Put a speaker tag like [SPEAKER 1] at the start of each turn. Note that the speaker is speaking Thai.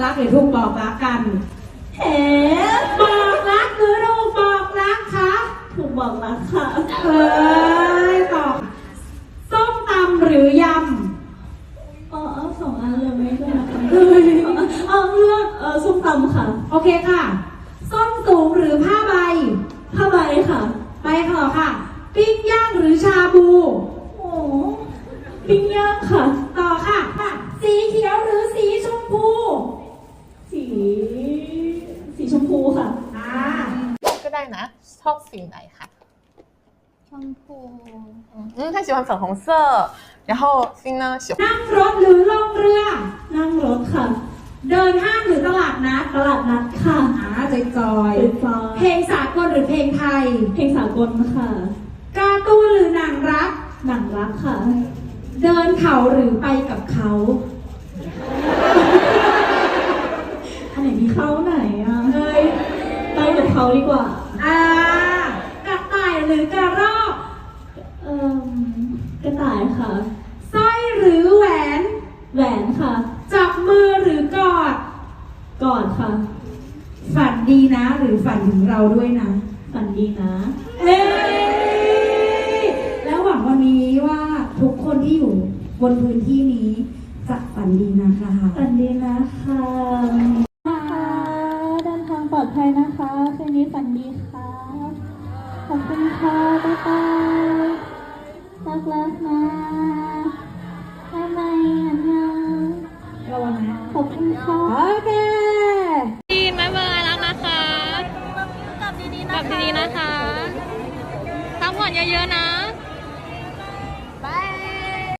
[SPEAKER 1] รักหรือถูกบอกรักกัน
[SPEAKER 2] เอ๋
[SPEAKER 1] บอกรักหรือถูกบอกรักคะ
[SPEAKER 2] ถูกบอกรักค่ะ
[SPEAKER 1] ตอบส้มตำหรือย
[SPEAKER 2] เอาสองอันเลยไหมก็ได้เลือกส้มตำค่ะ
[SPEAKER 1] ำโอเคค่ะส้นสูงหรือผ้าใบ
[SPEAKER 2] ผ้าใบค่ะ
[SPEAKER 1] ไปต่อค่ะปิ้งย่างหรือชาบู
[SPEAKER 2] โอ้ปิ้งย่างค่ะ
[SPEAKER 1] ต่อค่ะสีเขียวหรือสีชมพู
[SPEAKER 2] สีชมพูค่ะ
[SPEAKER 3] ก็ได้นะชอบสีไหนคะ
[SPEAKER 2] ชมพู
[SPEAKER 3] 他喜欢粉红色然后心呢喜欢
[SPEAKER 1] นั่งรถหรือล่องเรือ
[SPEAKER 2] นั่งรถค่ะ
[SPEAKER 1] เดินห้างหรือตลาดนัด
[SPEAKER 2] ค่ะ
[SPEAKER 1] จอยเพลงสากลหรือเพลงไทย
[SPEAKER 2] เพลงสากลค่ะ
[SPEAKER 1] การ์ตูนหรือหนังรัก
[SPEAKER 2] ค่ะ
[SPEAKER 1] เดินเขาหรือไปกับเขา
[SPEAKER 2] อันไหนมีเขาไหนอ่ะไปกับเขาดีกว่าก
[SPEAKER 1] ระต่ายหรือกระรอก
[SPEAKER 2] กระต่ายค่ะ
[SPEAKER 1] สร้อยหรือแหวน
[SPEAKER 2] ค่ะ
[SPEAKER 1] จับมือหรือกอด
[SPEAKER 2] ค่ะ
[SPEAKER 1] ฝันดีนะหรือฝันถึงเราด้วยนะ
[SPEAKER 2] ฝันดีนะ
[SPEAKER 1] แล้วหวังวันนี้ว่าทุกคนที่อยู่บนพื้นที่นี้จะฝันดีนะคะ
[SPEAKER 2] ฝันดีนะคะเดินทางปลอดภัยนะคะคืนนี้ฝันดีค่ะขอบคุณค่ะบ๊ายบายรักนะบ๊ายบายระวังนะขอบคุณค่ะ
[SPEAKER 1] โอเค
[SPEAKER 3] บ๊ายบายรักนะคะกลับดีๆนะคะพักผ่อนเยอะๆนะ